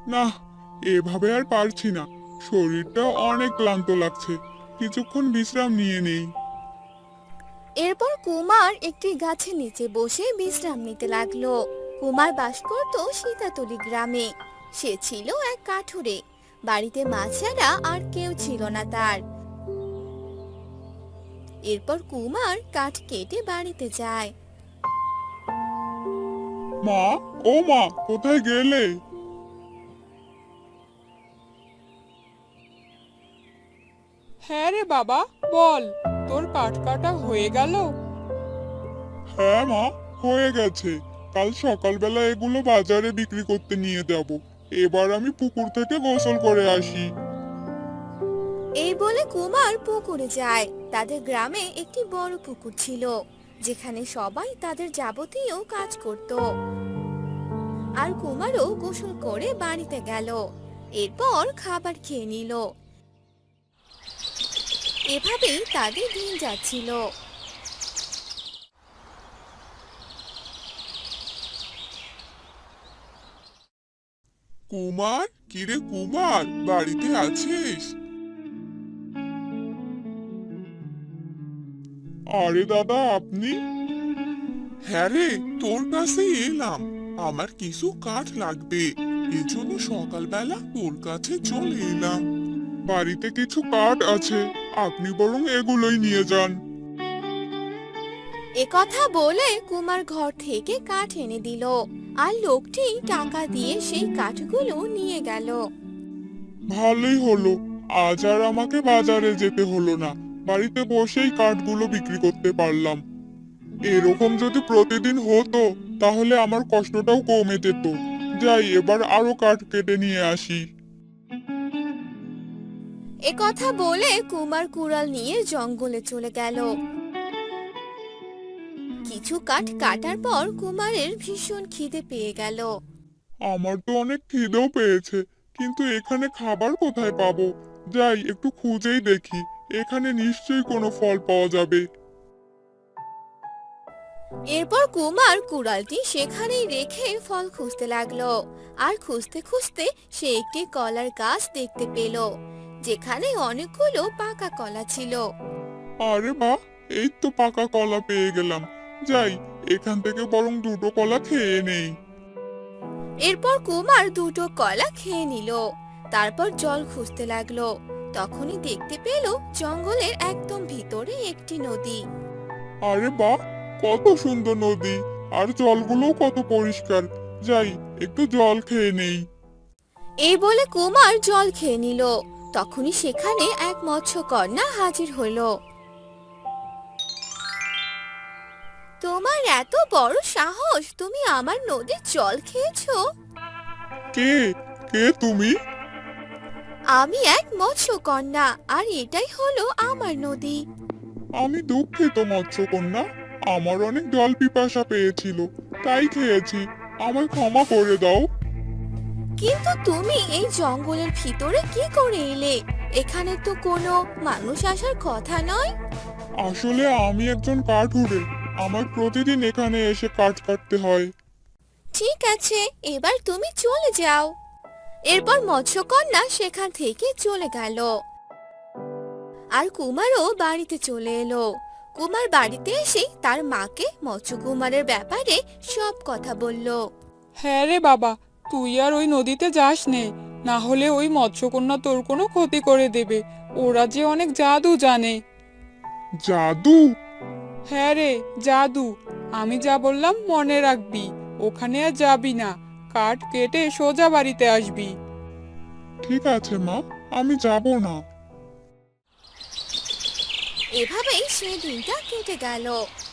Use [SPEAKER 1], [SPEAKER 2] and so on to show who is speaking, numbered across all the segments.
[SPEAKER 1] না, এভাবে আর পারছি না। শরীরটা অনেক ক্লান্ত লাগছে। কিছুক্ষণ বিশ্রাম নিয়ে নেই।
[SPEAKER 2] এরপর কুমার একটি গাছের নিচে বসে বিশ্রাম নিতে লাগলো। কুমার বাস করত সীতাতলি গ্রামে। সে ছিল এক কাঠুরে। বাড়িতে মা ছাড়া আর কেউ ছিল না তার। এরপর কুমার কাঠ কেটে বাড়িতে যায়।
[SPEAKER 1] মা, ও মা, কোথায় গেলে?
[SPEAKER 3] হ্যাঁ রে বাবা, বল, তোর কাঠ কাটা হয়ে গেল?
[SPEAKER 1] হ্যাঁ মা, হয়ে গেছে। কাল সকালবেলা এগুলো বাজারে বিক্রি করতে নিয়ে যাব। এবার আমি পুকুর থেকে গোসল করে আসি।
[SPEAKER 2] এই বলে কুমার পুকুরে যায়। তাদের গ্রামে একটি বড় পুকুর ছিল, যেখানে সবাই তাদের যাবতীয় কাজ করত। আর কুমারও গোসল করে বাড়িতে গেল। এরপর খাবার খেয়ে নিল। এভাবেই তাদের দিন যাচ্ছিল।
[SPEAKER 1] কুমার, কিরে কুমার, বাড়িতে আছিস? আরে দাদা, আপনি? হ্যাঁ রে, তোর কাছে এলাম। আমার কিছু কাঠ লাগবে, এজন্য সকালবেলা তোর কাছে চলে এলাম। বাড়িতে কিছু কাঠ আছে, আপনি বরং এগুলোই নিয়ে যান।
[SPEAKER 2] একথা বলে কুমার ঘর থেকে কাঠ এনে দিল। আর লোকটি টাকা দিয়ে সেই কাঠগুলো নিয়ে গেল।
[SPEAKER 1] ভালোই হলো, আজ আর আমাকে বাজারে যেতে হলো না। বাড়িতে বসেই কাঠগুলো বিক্রি করতে পারলাম। এরকম যদি প্রতিদিন হতো তাহলে আমার কষ্টটাও কমে যেত। যাই, এবার আরো কাঠ কেটে নিয়ে আসি।
[SPEAKER 2] একথা বলে কুমার কুড়াল নিয়ে জঙ্গলে চলে গেল। কিছু কাঠ কাটার পর কুমারের ভীষণ খিদে পেয়ে গেল।
[SPEAKER 1] আমার তো অনেক খিদেও পেয়েছে, কিন্তু এখানে খাবার কোথায় পাবো? যাই, একটু খুঁজেই দেখি। এখানে নিশ্চয়ই কোনো ফল পাওয়া যাবে।
[SPEAKER 2] এরপর কুমার কুড়ালটি সেখানেই রেখে ফল খুঁজতে লাগলো। আর খুঁজতে খুঁজতে সে একটি কলার গাছ দেখতে পেল, যেখানে অনেকগুলো পাকা কলা ছিল।
[SPEAKER 1] আরে বাহ, এই তো পাকা কলা পেয়ে গেলাম। যাই, এখান থেকে বরং দুটো কলা খেয়ে নেই।
[SPEAKER 2] এরপর কুমার দুটো কলা খেয়ে নিল। তারপর জল খুঁজতে লাগলো। তখনই দেখতে পেল জঙ্গলের একদম ভিতরে একটি নদী।
[SPEAKER 1] আরে বাহ, কত সুন্দর নদী! আর জলগুলোও কত পরিষ্কার। যাই, একটু জল খেয়ে নেই।
[SPEAKER 2] এই বলে কুমার জল খেয়ে নিল। তখনই সেখানে এক মৎস্যকন্যা হাজির হলো। তোমার এত বড় সাহস, তুমি আমার নদীর জল খেয়েছো?
[SPEAKER 1] কে? কে তুমি?
[SPEAKER 2] আমি এক মৎস্যকন্যা, আর এটাই হলো আমার নদী।
[SPEAKER 1] আমি দুঃখিত মৎস্যকন্যা। আমার অনেক জল পিপাসা পেয়েছিল, তাই খেয়েছি। আমায় ক্ষমা করে দাও।
[SPEAKER 2] কিন্তু তুমি এই জঙ্গলের ভিতরে কি করে এলে? এখানে তো কোনো মানুষ আসার কথা নয়।
[SPEAKER 1] আসলে আমি একজন কাঠুরে। আমার প্রতিদিন এখানে এসে কাঠ কাটতে হয়।
[SPEAKER 2] ঠিক আছে, এবার তুমি চলে যাও। এরপর মৎস্যকন্যা সেখান থেকে চলে গেল। আর কুমারও বাড়িতে চলে এলো। কুমার বাড়িতে এসে তার মাকে মৎস্যকুমারের ব্যাপারে সব কথা বলল।
[SPEAKER 3] হ্যাঁ রে বাবা, তুই আর ওই নদীতে যাস নে, না হলে ওই মৎস্যকন্যা তোর কোনো ক্ষতি করে দেবে। ওরা যে অনেক জাদু জানে।
[SPEAKER 1] জাদু?
[SPEAKER 3] হ্যাঁ রে, জাদু। আমি যা বললাম মনে রাখবি। ওখানে আর যাবি না, কাঠ কেটে সোজা বাড়িতে আসবি।
[SPEAKER 1] ঠিক আছে মা, আমি যাব না।
[SPEAKER 2] এভাবেই সে দিনটা কেটে গেল।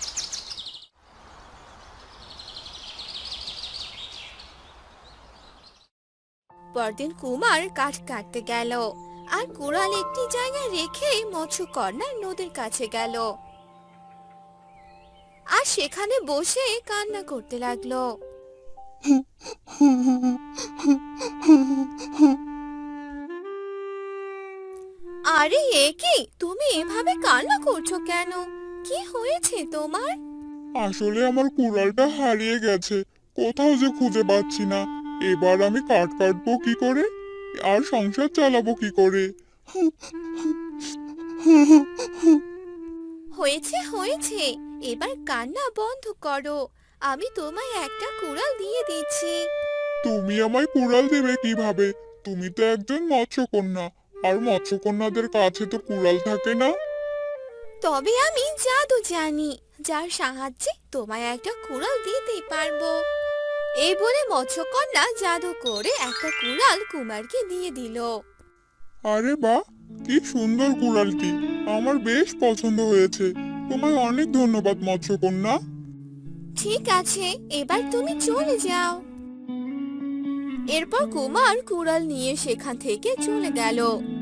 [SPEAKER 2] পরদিন কুমার কাঠ কাটতে গেল। আর কুড়াল একটি জায়গায় রেখে মৎস্যকন্যা নদীর কাছে গেল। আর সেখানে বসে কান্না করতে লাগলো। আরে এ কি, তুমি এভাবে কান্না করছো কেন? কি হয়েছে তোমার?
[SPEAKER 1] আসলে আমার কুড়ালটা হারিয়ে গেছে, কোথাও যে খুঁজে পাচ্ছি না। এবার আমি কাঠ কাটবো কি করে আর সংসার চালাবো কি করে?
[SPEAKER 2] হয়েছে হয়েছে, এবার কান্না বন্ধ করো। আমি তোমায় একটা কুড়াল দিয়ে দিচ্ছি।
[SPEAKER 1] তুমি আমায় কুড়াল দেবে কিভাবে? তুমি তো একজন মৎস্যকন্যা, আর মৎস্যকন্যাদের কাছে তো কুড়াল থাকে না।
[SPEAKER 2] তবে আমি জাদু জানি, যার সাহায্যে তোমায় একটা কুড়াল দিতে পারবো। এই বলে মৎস্যকন্যা জাদু করে একটা কুড়াল কুমারকে দিয়ে দিল।
[SPEAKER 1] আরে বাহ, কি সুন্দর কুড়ালটি! আমার বেশ পছন্দ হয়েছে। তোমায় অনেক ধন্যবাদ মৎস্যকন্যা।
[SPEAKER 2] ঠিক আছে, এবার তুমি চলে যাও। এরপর কুমার কুড়াল নিয়ে সেখান থেকে চলে গেল।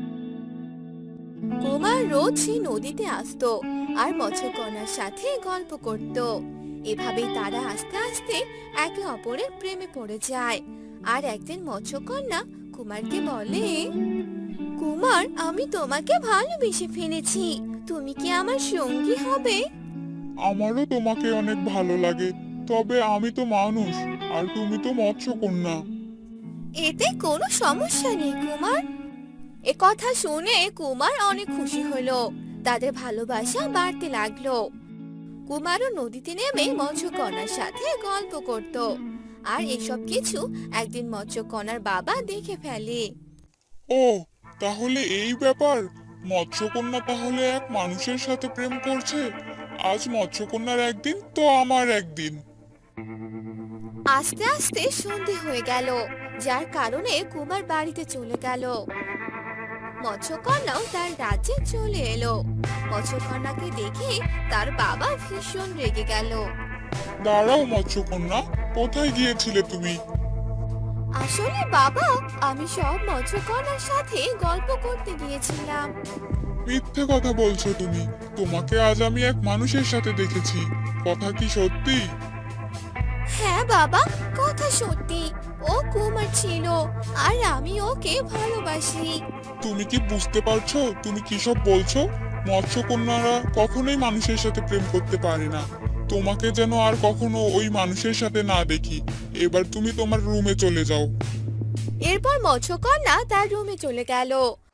[SPEAKER 2] কুমার রোজ সেই নদীতে আসতো আর মৎস্যকন্যার সাথে গল্প করত। এভাবেই তারা আস্তে আস্তে একে অপরের প্রেমে পড়ে যায়। আর একদিন মৎস্যকন্যা কুমারকে বলে, কুমার, আমি তোমাকে ভালোবেসে ফেলেছি, তুমি কি আমার সঙ্গী হবে?
[SPEAKER 1] আমারও তোমাকে অনেক ভালো লাগে, তবে আমি তো মানুষ আর তুমি তো মৎস্যকন্যা।
[SPEAKER 2] এতে কোনো সমস্যা নেই কুমার। এ কথা শুনে কুমার অনেক খুশি হলো। তাদের ভালোবাসা বাড়তে লাগলো। কুমারও নদীতে নেমে মৎস্যকন্যার সাথে গল্প করত। আর এসব কিছু একদিন মৎস্যকন্যার বাবা দেখে ফেলে।
[SPEAKER 1] ও, তাহলে এই ব্যাপার! মৎস্যকন্যা তাহলে এক মানুষের সাথে প্রেম করছে। আজ মৎস্যকন্যার একদিন তো আমার একদিন।
[SPEAKER 2] আস্তে আস্তে সন্ধে হয়ে গেল, যার কারণে কুমার বাড়িতে চলে গেল। মৎস্যকন্যাও তার রাজ্যে চলে এলো। মৎস্যকন্যাকে দেখে তার বাবা ভীষণ রেগে গেল।
[SPEAKER 1] দাঁড়াও মৎস্যকন্যা, কোথায় গিয়েছিলে তুমি?
[SPEAKER 2] আসলে বাবা, আমি সব মৎস্যকন্যার সাথে গল্প করতে গিয়েছিলাম।
[SPEAKER 1] মিথ্যে কথা বলছো তুমি। তোমাকে আজ আমি এক মানুষের সাথে দেখেছি। কথা কি সত্যি?
[SPEAKER 2] হ্যাঁ বাবা, কথা সত্যি। ও কুমার ছিল আর আমি ওকে ভালোবাসি।
[SPEAKER 1] তুমি কি বুঝতে পারছো তুমি কি সব বলছো? মৎস্যকন্যারা কখনোই মানুষের সাথে প্রেম করতে পারে না। তোমাকে যেন আর কখনো ওই মানুষের সাথে না দেখি। এবার তুমি তোমার রুমে চলে যাও।
[SPEAKER 2] এরপর মৎস্যকন্যা তার রুমে চলে গেল।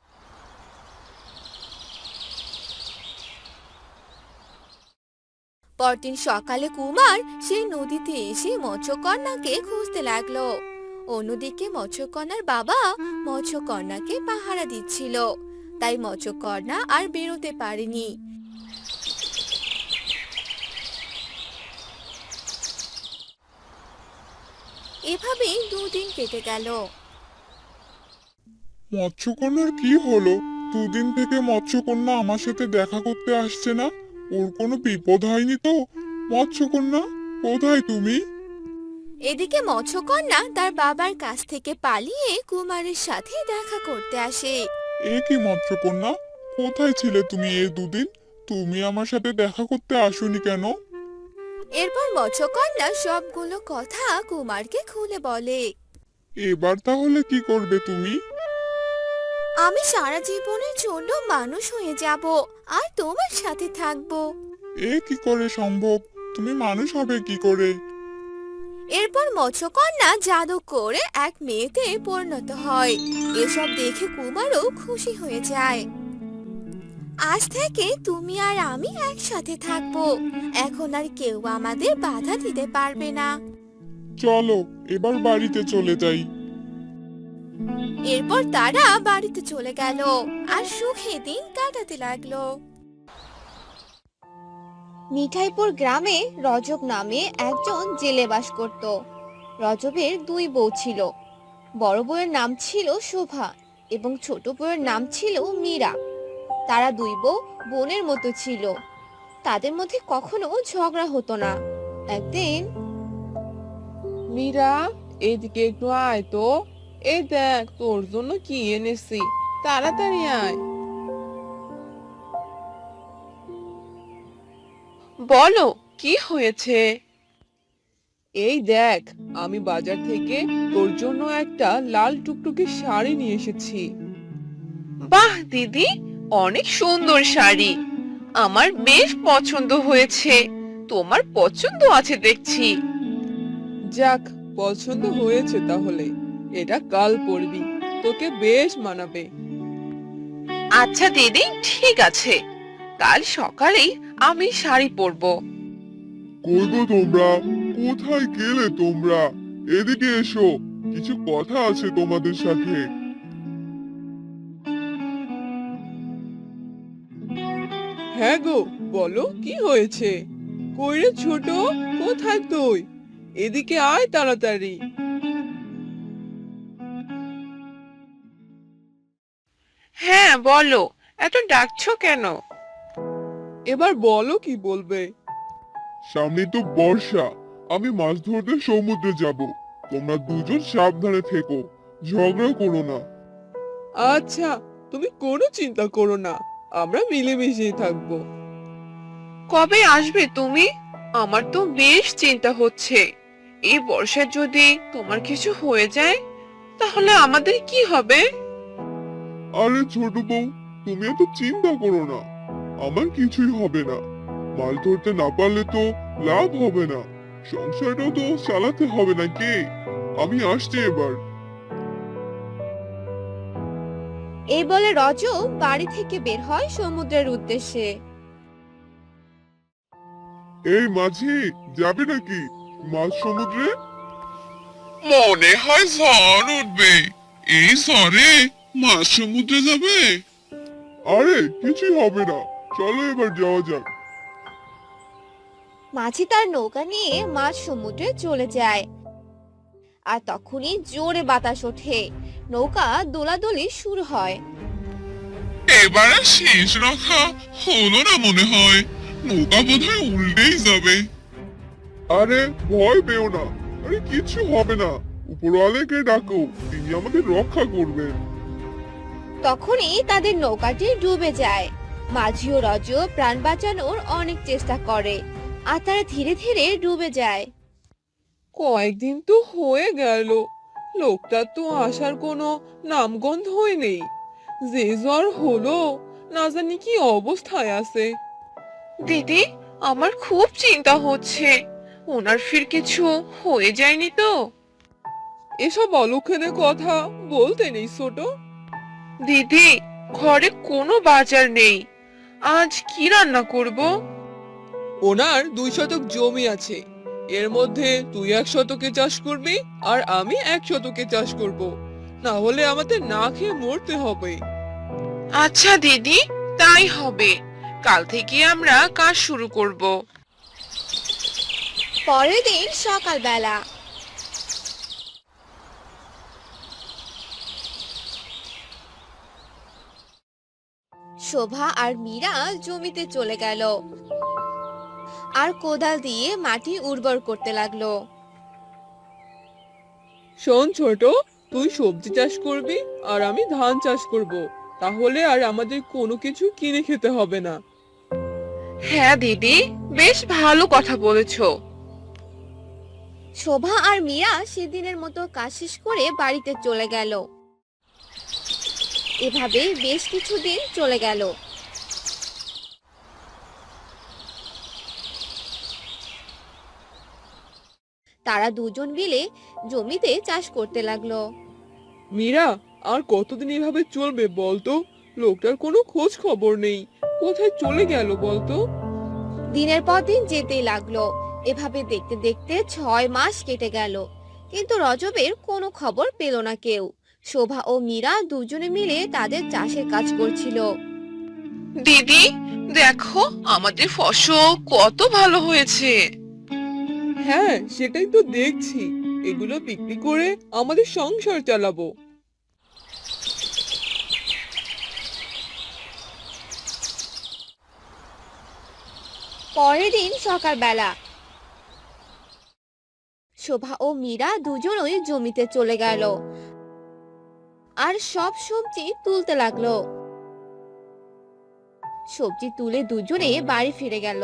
[SPEAKER 2] পরদিন সকালে কুমার সেই নদীতে এসে মৎস্যকন্যাকে খুঁজতে লাগলো। অন্যদিকে মৎস্যকন্যার বাবা মৎস্যকন্যাকে পাহারা দিচ্ছিল, তাই মৎস্যকন্যা আর বেরোতে পারেনি। এভাবেই দুদিন কেটে গেল।
[SPEAKER 1] মৎস্যকন্যার কি হলো? দুদিন থেকে মৎস্যকন্যা আমার সাথে দেখা করতে আসছে না। ওর কোনো বিপদ হয়নি তো? মৎস্যকন্যা, কোথায় তুমি?
[SPEAKER 2] এদিকে মৎস্যকন্যা তার বাবার কাছ থেকে পালিয়ে কুমারের সাথে দেখা করতে আসে।
[SPEAKER 1] এ কি মৎস্যকন্যা, কোথায় ছিলে তুমি এই দুদিন? তুমি আমার সাথে দেখা করতে আসোনি কেন?
[SPEAKER 2] এরপর মৎস্যকন্যা সবগুলো কথা কুমারকে খুলে বলে।
[SPEAKER 1] এবার তাহলে কি করবে তুমি?
[SPEAKER 2] আমি সারা জীবনের জন্য মানুষ হয়ে যাব আর তোমার সাথে থাকবো।
[SPEAKER 1] এ কি করে সম্ভব? তুমি মানুষ হবে কি করে?
[SPEAKER 2] এরপর মৎস্যকন্যা জাদু করে এক মেয়েতে পরিণত হয়। এসব দেখে কুমারও খুশি হয়ে যায়। আজ থেকে তুমি আর আমি একসাথে থাকবো। এখন আর কেউ আমাদের বাধা দিতে পারবে না।
[SPEAKER 1] চলো এবার বাড়িতে চলে যাই।
[SPEAKER 2] এরপর তারা বাড়িতে চলে গেল আর সুখে দিন কাটাতে লাগলো। মিঠাইপুর গ্রামে রজব নামে একজন জেলে বাস করত। রজবের দুই বউ ছিল। বড় বউয়ের নাম ছিল শোভা এবং ছোট বউয়ের নাম ছিল মীরা। তারা দুই বউ বোনের মতো ছিল। তাদের মধ্যে কখনো ঝগড়া হতো না। একদিন,
[SPEAKER 4] মীরা, এদিকে একটু আয় তো। এই দেখ তোর জন্য কি এনেছি, তাড়াতাড়ি আয়। বলো কি হয়েছে? এই দেখ, আমি বাজার থেকে তোর জন্য একটা লাল টুকটুকে শাড়ি নিয়ে এসেছি। বাহ দিদি, অনেক সুন্দর শাড়ি, আমার বেশ পছন্দ হয়েছে। তোমার পছন্দ আছে দেখছি। যাক, পছন্দ হয়েছে তাহলে। এটা কাল পরবি, তোকে বেশ মানাবে। আচ্ছা দিদি, ঠিক আছে, কাল সকালেই আমি শাড়ি পরবো।
[SPEAKER 1] কই গো তোমরা, কোথায় গেলে তোমরা? এদিকে এসো, কিছু কথা আছে তোমাদের সাথে।
[SPEAKER 4] হ্যাঁ গো, বলো কি হয়েছে? কই রে ছোট, কোথায় তুই? এদিকে আয় তাড়াতাড়ি। হ্যাঁ বলো, এত ডাকছো কেন? এবার বলো কি বলবে।
[SPEAKER 1] সামনে তো বর্ষা, আমি মাছ ধরতে সমুদ্রে যাব। তোমরা দুজন সাবধানে থেকো, ঝগড়া করো না।
[SPEAKER 4] আচ্ছা, তুমি কোনো চিন্তা করো না, আমরা মিলেমিশেই থাকবো। কবে আসবে তুমি? আমার তো বেশ চিন্তা হচ্ছে। এই বর্ষায় যদি তোমার কিছু হয়ে যায়, তাহলে আমাদের কি হবে?
[SPEAKER 1] আরে ছোট বউ, তুমি এত চিন্তা করো না, আমার কিছুই হবে না। মাছ ধরতে না পারলে তো লাভ হবে না, সংসারটাও তো চালাতে হবে নাকি। আমি আসছি এবার।
[SPEAKER 2] এই বলে রজ বাড়ি থেকে বের হয় সমুদ্রের উদ্দেশ্যে।
[SPEAKER 1] এই মাঝি, যাবে নাকি মাছ সমুদ্রে? মনে হয় ঝড় উঠবে, এই ঝড়ে মাছ সমুদ্রে যাবে। আরে কিছুই হবে না, চলো এবার যাওয়া যাক।
[SPEAKER 2] মাঝি তার নৌকা নিয়ে মাঝ সমুদ্রে চলে যায়। আর তখনই জোরে বাতাস ওঠে, নৌকা দোলাদলি শুরু হয়।
[SPEAKER 1] এবারে শেষ রক্ষা হলো না মনে হয়, নৌকা বোধহয় উল্টেই যাবে। আরে ভয় পেও না, আরে কিছু হবে না, উপরওয়ালাকে ডাকো, তিনি আমাদের রক্ষা করবেন।
[SPEAKER 2] তখনই তাদের নৌকাটি ডুবে যায়। মাঝি ও রজ প্রাণ বাঁচানোর অনেক চেষ্টা করে, আর তারা ধীরে ধীরে ডুবে যায়।
[SPEAKER 4] কয়েকদিন তো হয়ে গেল, লোকটা তো আসার কোনো নামগন্ধই নেই। যে জ্বর হলো, না জানি কি অবস্থায় আছে। দিদি, আমার খুব চিন্তা হচ্ছে, ওনার ফির কিছু হয়ে যায়নি তো? এসব অলক্ষণে কথা বলতে নেই ছোট। দিদি, ঘরে কোনো বাজার নেই, আজ কি রান্না করব? ওনার 2 শতক জমি আছে, এর মধ্যে তুই 1 শতকে চাষ করবি আর আমি 1 শতকে চাষ করব, না হলে আমাদের না খেয়ে মরতে হবে। আচ্ছা দিদি, তাই হবে, কাল থেকে আমরা কাজ শুরু করব।
[SPEAKER 2] পরের দিন সকালবেলা শোভা আর মীরা জমিতে চলে গেল আর কোদাল দিয়ে মাটি উর্বর করতে লাগলো।
[SPEAKER 4] শোন ছোট, তুই সবজি চাষ করবি আর আমি ধান চাষ করব, তাহলে আর আমাদের কোনো কিছু কিনে খেতে হবে না। হ্যাঁ দিদি, বেশ ভালো কথা বলেছো।
[SPEAKER 2] শোভা আর মীরা সেদিনের মতো কাজ শেষ করে বাড়িতে চলে গেল। এভাবে বেশ কিছুদিন চলে গেল। তারা দুজন মিলে জমিতে চাষ করতে লাগলো।
[SPEAKER 4] মীরা, আর কতদিন এভাবে চলবে বলতো? লোকটার কোনো খোঁজ খবর নেই, কোথায় চলে গেল বলতো?
[SPEAKER 2] দিনের পর দিন যেতেই লাগলো। এভাবে দেখতে দেখতে 6 মাস কেটে গেল, কিন্তু রজবের কোনো খবর পেল না কেউ। শোভা ও মীরা দুজনে মিলে তাদের চাষের কাজ করছিল।
[SPEAKER 4] দিদি, দেখো আমাদের ফসল কত ভালো হয়েছে। হ্যাঁ, সেটাই তো দেখছি, এগুলো বিক্রি করে আমাদের সংসার চালাবো।
[SPEAKER 2] পরের দিন সকালবেলা শোভা ও মীরা দুজনই জমিতে চলে গেল আর সব সবজি তুলতে লাগলো। সবজি তুলে দুজনে বাড়ি ফিরে গেল।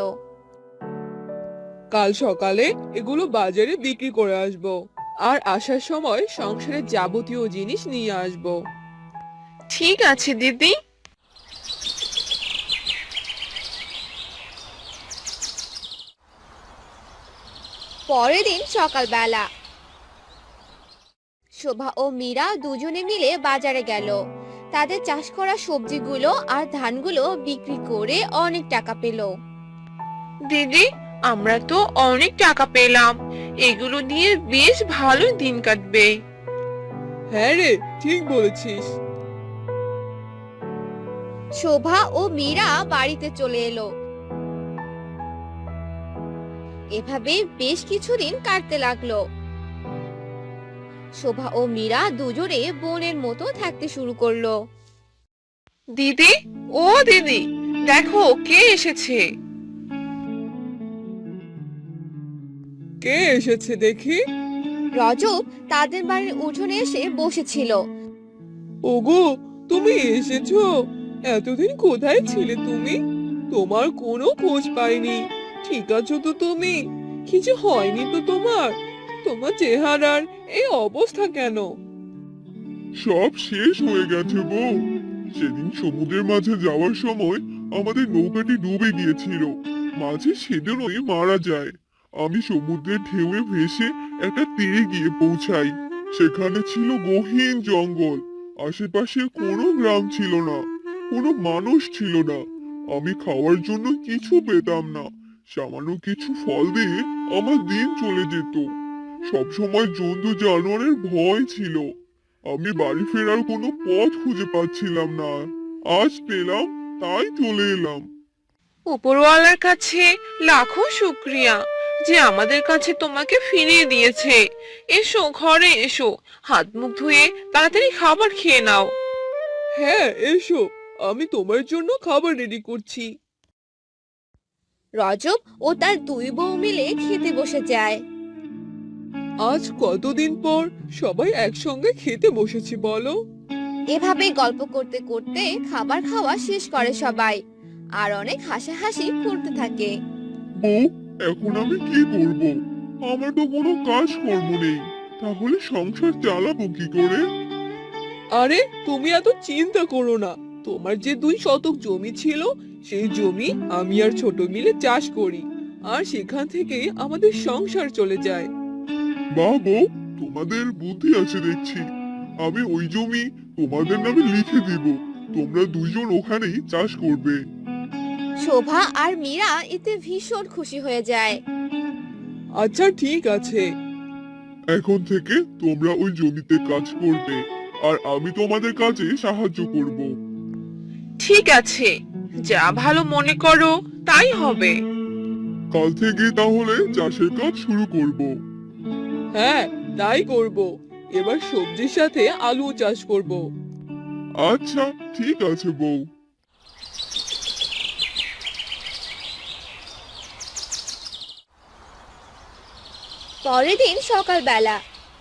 [SPEAKER 4] কাল সকালে এগুলো বাজারে বিক্রি করে আসবো, আর আসার সময় সংসারের যাবতীয় জিনিস নিয়ে আসবো। ঠিক আছে দিদি।
[SPEAKER 2] পরের দিন সকালবেলা শোভা ও মীরা দুজনে মিলে বাজারে গেল। তাদের চাষ করা সবজিগুলো আর ধানগুলো বিক্রি করে অনেক টাকা পেল।
[SPEAKER 4] দিদি, আমরা তো অনেক টাকা পেলাম, এগুলো দিয়ে বেশ ভালো দিন কাটবে। হ্যাঁ রে, ঠিক বলেছিস।
[SPEAKER 2] শোভা ও মীরা বাড়িতে চলে এলো। এভাবে বেশ কিছুদিন কাটতে লাগলো। শোভা ও মীরা দুজনে বোনের মতো থাকতে শুরু করলো।
[SPEAKER 4] দিদি, ও দিদি, দেখো কে এসেছে। কে এসেছে দেখি।
[SPEAKER 2] রজব তাদের বাড়ির উঠোনে এসে বসেছিল।
[SPEAKER 4] ওগো, তুমি এসেছো? এতদিন কোথায় ছিলে তুমি? তোমার কোনো খোঁজ পাইনি। ঠিক আছো তো তুমি? কিছু হয়নি তো তোমার? তোমার চেহারার এই অবস্থা কেন?
[SPEAKER 1] সব শেষ হয়ে গেছে বউ। সেদিন সমুদ্রের মাঝে যাওয়ার সময় আমাদের নৌকাটি ডুবে গিয়েছিল। মাঝে সেদিনই মারা যায়। আমি সমুদ্রের ঢেউয়ে ভেসে একটা তীরে গিয়ে পৌঁছাই। সেখানে ছিল গহীন জঙ্গল। আশেপাশে কোনো গ্রাম ছিল না, কোনো মানুষ ছিল না। আমি খাওয়ার জন্য কিছু পেতাম না। সামান্য কিছু ফল দিয়ে আমার দিন চলে যেত। সবসময় জন্তু জানোয়ারের ভয় ছিল। আমি বাড়ি ফেরার কোনো পথ খুঁজে পাচ্ছিলাম না। আজ পেলাম, তাই চলে এলাম।
[SPEAKER 4] উপরওয়ালার কাছে লাখো শুক্রিয়া যে আমাদের কাছে তোমাকে ফিরিয়ে দিয়েছে। এসো, ঘরে এসো, হাত মুখ ধুয়ে তাড়াতাড়ি খাবার খেয়ে নাও। হ্যাঁ, এসো, আমি তোমার জন্য খাবার রেডি করছি।
[SPEAKER 2] রজব ও তার দুই বউ মিলে খেতে বসে যায়।
[SPEAKER 4] আজ কতদিন পর সবাই একসঙ্গে খেতে বসেছি বলো।
[SPEAKER 2] এভাবে গল্প করতে করতে খাবার খাওয়া শেষ করে সবাই, আর অনেক হাসাহাসি করতে থাকে।
[SPEAKER 1] বউ, এখন আমি কি করব? আমার তো কোনো কাজ কর্ম নেই। তাহলে সংসার চালাবো কি করে?
[SPEAKER 4] আরে, তুমি এত চিন্তা করো না। তোমার যে 2 শতক জমি ছিল, সেই জমি আমি আর ছোট মিলে চাষ করি, আর সেখান থেকে আমাদের সংসার চলে যায়।
[SPEAKER 1] বাহ বউ, তোমাদের বুদ্ধি আছে দেখছি। আমি ওই জমি তোমাদের নামে লিখে দিব। তোমরা দুইজন ওখানেই চাষ করবে।
[SPEAKER 2] শোভা আর মীরা এতে ভীষণ খুশি হয়ে যায়।
[SPEAKER 4] আচ্ছা, ঠিক আছে।
[SPEAKER 1] এখন থেকে তোমরা ওই জমিতে কাজ করবে, আর আমি তোমাদের কাজে সাহায্য করব।
[SPEAKER 4] ঠিক আছে, যা ভালো মনে করো তাই হবে।
[SPEAKER 1] কাল থেকে তাহলে চাষের কাজ শুরু করব।
[SPEAKER 4] হ্যাঁ, তাই করব। এবার সবজির সাথে আলু চাষ করব।
[SPEAKER 1] আচ্ছা, ঠিক আছে বউ।
[SPEAKER 2] পরের দিন সকালবেলা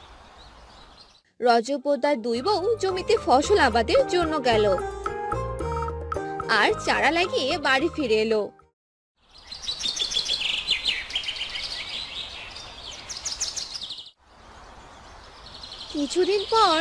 [SPEAKER 2] রজব ও তার দুই বউ জমিতে ফসল আবাদের জন্য গেল, আর চারা লাগিয়ে বাড়ি ফিরে এলো। কিছুদিন পর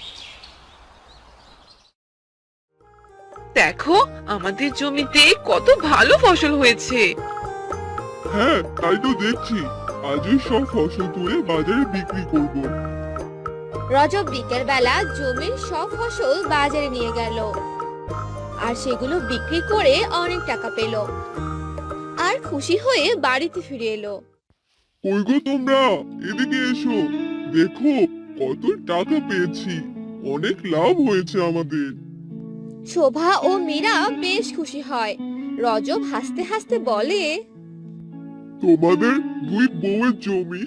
[SPEAKER 4] দেখো, আমাদের জমিতে কত ভালো ফসল হয়েছে।
[SPEAKER 1] হ্যাঁ, তাই তো দেখছি। আজই সব ফসল তুলে বাজারে বিক্রি করব।
[SPEAKER 2] রজব বিকেল বেলা জমির সব ফসল বাজারে নিয়ে গেল, আর সেগুলো বিক্রি করে অনেক টাকা পেল, আর খুশি হয়ে বাড়িতে ফিরে এলো।
[SPEAKER 1] কই গো তোমরা, এদিকে এসো। দেখো কত টাকা পেয়েছি। অনেক লাভ হয়েছে আমাদের।
[SPEAKER 2] শোভা ও মীরা বেশ খুশি হয়। রজব হাসতে হাসতে বলে,
[SPEAKER 1] তোমাদের দুই বউয়ের জমি।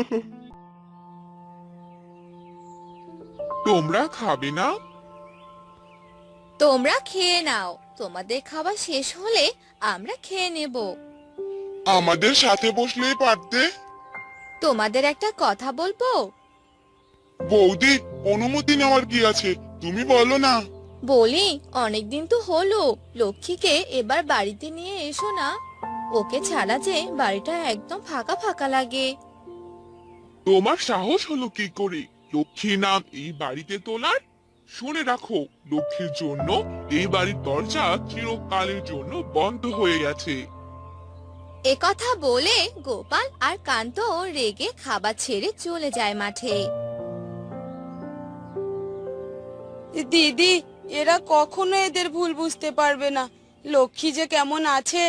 [SPEAKER 1] তোমরা খাবে না?
[SPEAKER 2] তোমরা খেয়ে নাও, তোমাদের খাবার শেষ হলে আমরা খেয়ে নেব।
[SPEAKER 1] আমাদের সাথে বসলেই পারতে।
[SPEAKER 2] তোমাদের একটা কথা বলবো?
[SPEAKER 1] বৌদি, অনুমতি নেওয়ার কি আছে, তুমি বলো না।
[SPEAKER 2] বলি, অনেকদিন তো হলো, লক্ষ্মীকে এবার বাড়িতে নিয়ে এসো না। ওকে ছাড়া যে বাড়িটা একদম ফাঁকা ফাঁকা লাগে।
[SPEAKER 1] তোমার সাহস হলো কি করে লক্ষ্মী নাম এই বাড়িতে তোলার? শুনে রাখো, লক্ষ্মীর জন্য এই বাড়ির দরজা চিরকালের জন্য বন্ধ হয়ে গেছে।
[SPEAKER 2] এ কথা বলে গোপাল আর কান্ত রেগে খাবার ছেড়ে চলে যায় মাঠে।
[SPEAKER 5] দিদি, এরা কখনো এদের ভুল বুঝতে পারবে না। লক্ষ্মী যে কেমন আছে।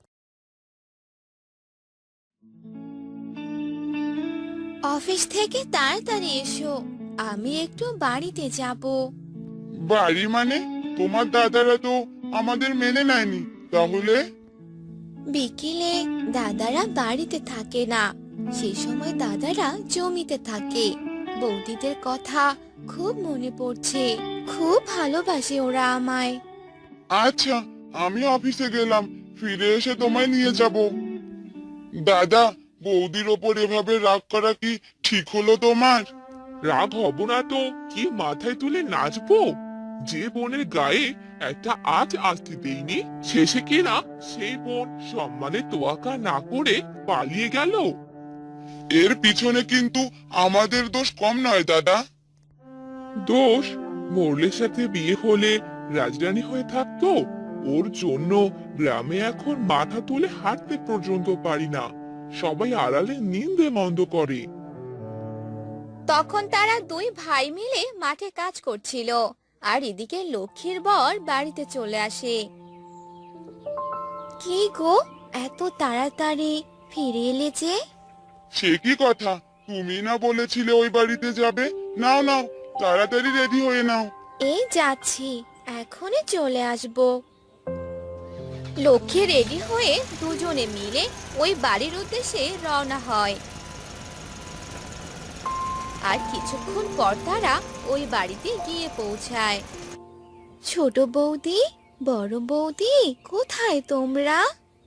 [SPEAKER 2] অফিস থেকে তাড়াতাড়ি এসো, আমি একটু বাড়িতে যাব।
[SPEAKER 1] বাড়ি মানে? তোমার দাদারা তো আমাদের মেনে নেয়নি, তাহলে?
[SPEAKER 2] বিকেলে দাদারা বাড়িতে থাকে না, সে সময় দাদারা জমিতে থাকে। বৌদিদের কথা খুব মনে পড়ছে, খুব ভালোবাসে ওরা আমায়।
[SPEAKER 1] আচ্ছা, আমি অফিসে গেলাম, ফিরে এসে তোমায় নিয়ে যাব। দাদা, বৌদির ওপর এভাবে রাগ করা কি ঠিক হলো তোমার? রাগ হব না তো কি মাথায় তুলে নাচবো? যে বোনের গায়ে একটা আজ আসতে দেইনি, শেষে কিনা সেই বোন সম্মানে তোয়াক্কা না করে পালিয়ে গেল। এর পিছনে কিন্তু আমাদের দোষ কম নয় দাদা। দোষ? মোরলের সাথে বিয়ে হলে রাজরানী হয়ে থাকতো, ওর জন্য গ্রামে এখন মাথা তুলে হাঁটতে পর্যন্ত পারি না, সবাই আড়ালে নিন্দে মন্দ করে।
[SPEAKER 2] তখন তারা দুই ভাই মিলে মাঠে কাজ করছিল, আর এদিকে লক্ষ্মীর বর বাড়িতে চলে আসে। কি গো, এত তাড়াতাড়ি ফিরে এলে যে?
[SPEAKER 1] সে কি কথা, তুমি না বলেছিলে ওই বাড়িতে যাবে? নাও নাও, তাড়াতাড়ি রেডি হয়ে নাও।
[SPEAKER 2] এই যাচ্ছি, এখনই চলে আসব। লক্ষ্মী রেডি হয়ে দুজনে মিলে ওই বাড়ির উদ্দেশ্যে রওনা হয়। আর কিছুক্ষণ পর তারা ওই বাড়িতে গিয়ে পৌঁছায়। ছোট বৌদি, বড় বৌদি, কোথায় তোমরা?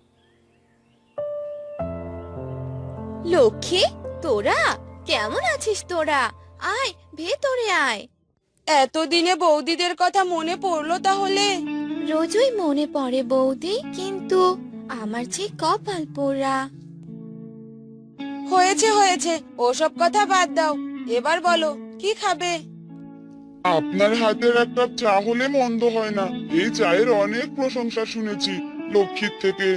[SPEAKER 2] লক্ষ্মী, তোরা কেমন আছিস? তোরা আয়, ভেতরে আয়।
[SPEAKER 5] এতদিনে বৌদিদের কথা মনে পড়লো তাহলে?
[SPEAKER 2] রোজই মনে পড়ে বৌদি, কিন্তু আমার যে কপাল পোড়া।
[SPEAKER 5] হয়েছে হয়েছে, ওসব কথা বাদ দাও। এবার বলো, কি খাবে?
[SPEAKER 1] আপনার হাতের এক কাপ চা হলে মন্দ হয় না। এই চায়ের অনেক প্রশংসা শুনেছি লক্ষ্মীর থেকে।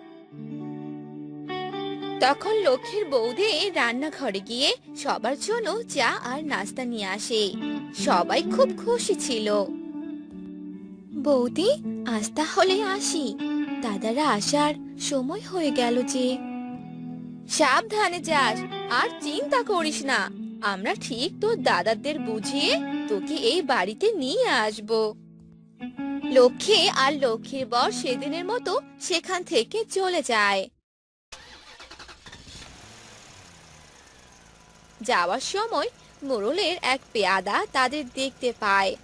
[SPEAKER 2] তখন লক্ষ্মীর বৌদি রান্নাঘরে গিয়ে সবার জন্য চা আর নাস্তা নিয়ে আসে। সবাই খুব খুশি ছিল। বৌদি, আজ তাহলে আসি, দাদারা আসার সময় হয়ে গেল যে। সাবধানে যাস, আর চিন্তা করিস না, আমরা ঠিক তোর দাদাদের বুঝিয়ে তোকে এই বাড়িতে নিয়ে আসবো। লক্ষ্মী আর লক্ষ্মীর বর সেদিনের মতো সেখান থেকে চলে যায়। যাওয়ার সময় মোড়লের এক পেয়াদা তাদের দেখতে পায়,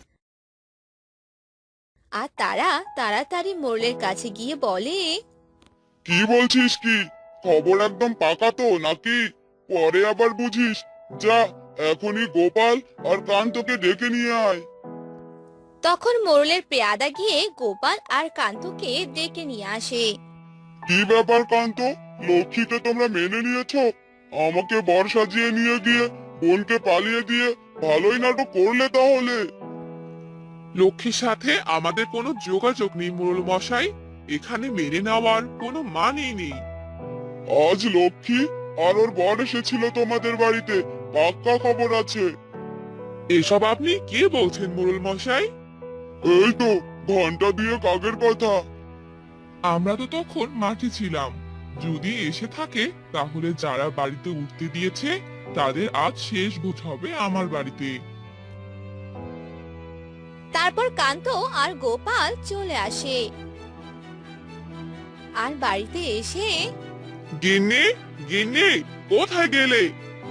[SPEAKER 2] আর তারা তাড়াতাড়ি মোড়লের কাছে গিয়ে বলে,
[SPEAKER 1] কি বলছিস কি? খবর একদম পাকা তো নাকি? পরে আবার বুঝিস। যা, এখনই গোপাল আর কান্তকে ডেকে নিয়ে আয়।
[SPEAKER 2] তখন মোড়লের পেয়াদা গিয়ে গোপাল আর কান্তকে ডেকে নিয়ে আসে।
[SPEAKER 1] কি ব্যাপার কান্ত, লক্ষ্মীকে তোমরা মেনে নিয়েছো? আমাকে বর সাজিয়ে নিয়ে গিয়ে বোনকে পালিয়ে দিয়ে ভালোই নাটক করলে তাহলে। লক্ষ্মীর সাথে আমাদের কোনো যোগাযোগ নেই মোড়ল মশাই, এখানে মেনে নেওয়ার কোনো মানেই নেই। আজ লক্ষ্মী আর ওর বর এসেছিল তোমাদের বাড়িতে, পাক্কা খবর আছে। এসব আপনি কে বলছেন মোড়ল মশাই? এই তো ঘন্টা দিয়ে কাগের কথা। আমরা তো তখন মাঠে ছিলাম, যদি এসে থাকে তাহলে যারা বাড়িতে উঠতে দিয়েছে তাদের আজ শেষ ভোজ হবে আমার বাড়িতে।
[SPEAKER 2] তারপর কান্ত আর গোপাল চলে আসে, আর বাড়িতে এসে,
[SPEAKER 1] গিন্নি, গিন্নি, কোথায় গেলে?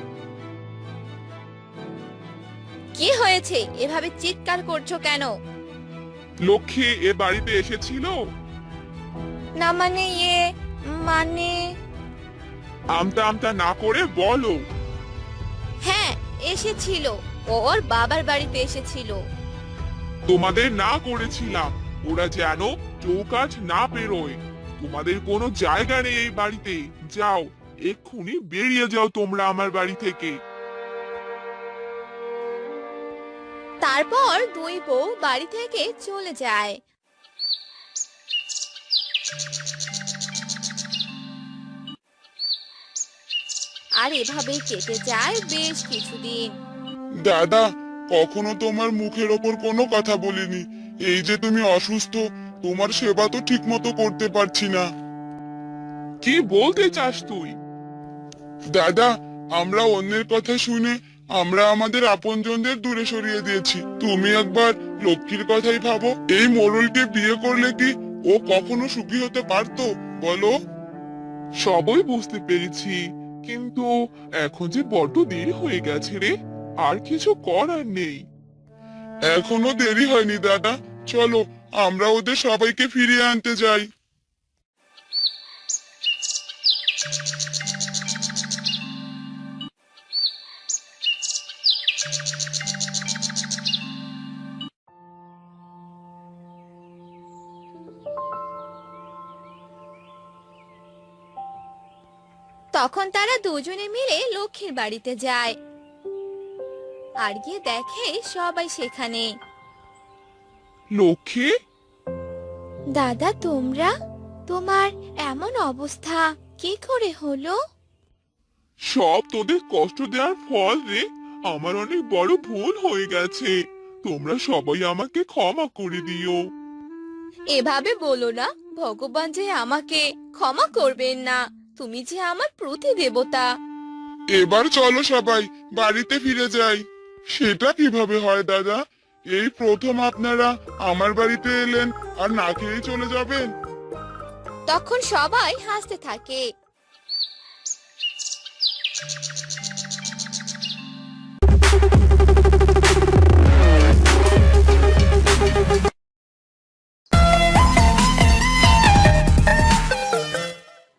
[SPEAKER 2] কি হয়েছে, এভাবে চিৎকার করছো কেন?
[SPEAKER 1] লক্ষ্মী এ বাড়িতে এসেছিল?
[SPEAKER 2] না মানে মানে
[SPEAKER 1] আমতা আমতা না করে বলো।
[SPEAKER 2] হ্যাঁ, এসেছিল, ওর বাবার বাড়িতে এসেছিল।
[SPEAKER 1] তোমাদের না করেছিলাম ওরা যেন চৌকাঠ না পেরোয়। তোমাদের কোনো জায়গা নেই এই বাড়িতে, যাও, এক্ষুনি বেরিয়ে যাও তোমরা আমার বাড়ি থেকে।
[SPEAKER 2] তারপর দুই বউ বাড়ি থেকে চলে যায়। আর এভাবেই কেটে যায় বেশ কিছুদিন।
[SPEAKER 1] দাদা, কখনো তোমার মুখের ওপর কোনো কথা বলিনি। এই যে তুমি অসুস্থ, তোমার সেবা তো ঠিক মতো করতে পারছি না। কি বলতে চাস তুই? দাদা, আমরা অন্যের কথা শুনে আমরা আমাদের আপনজনদের দূরে সরিয়ে দিয়েছি। তুমি একবার লক্ষ্মীর কথাই ভাবো। এই মোড়লকে বিয়ে করলে কি ও কখনো সুখী হতে পারতো বলো? সবই বুঝতে পেরেছি, কিন্তু এখন যে বড্ড দেরি হয়ে গেছে রে, আর কিছু করার নেই। এখনো দেরি হয়নি দাদা, চলো আমরা ওদের সবাইকে ফিরিয়ে আনতে যাই।
[SPEAKER 2] তখন তারা দুজনে মিলে লক্ষ্মীর বাড়িতে যায় আর গিয়ে দেখে সবাই সেখানে।
[SPEAKER 1] লক্ষ্মী,
[SPEAKER 2] দাদা, তোমরা? তোমার এমন অবস্থা কি করে হলো?
[SPEAKER 1] সব তোদের কষ্ট দেওয়ার ফল রে। আমার অনেক বড় ভুল হয়ে গেছে, তোমরা সবাই আমাকে ক্ষমা করে দিও।
[SPEAKER 2] এভাবে বলো না, ভগবান যে আমাকে ক্ষমা করবেন না। তুমি যে আমার প্রতিদেবতা।
[SPEAKER 1] এবার চলো সবাই বাড়িতে ফিরে যাই। সেটা কিভাবে হয় দাদা? এই প্রথম আপনারা আমার বাড়িতে এলেন আর না খেয়ে চলে যাবেন?
[SPEAKER 2] তখন সবাই হাসতে থাকে।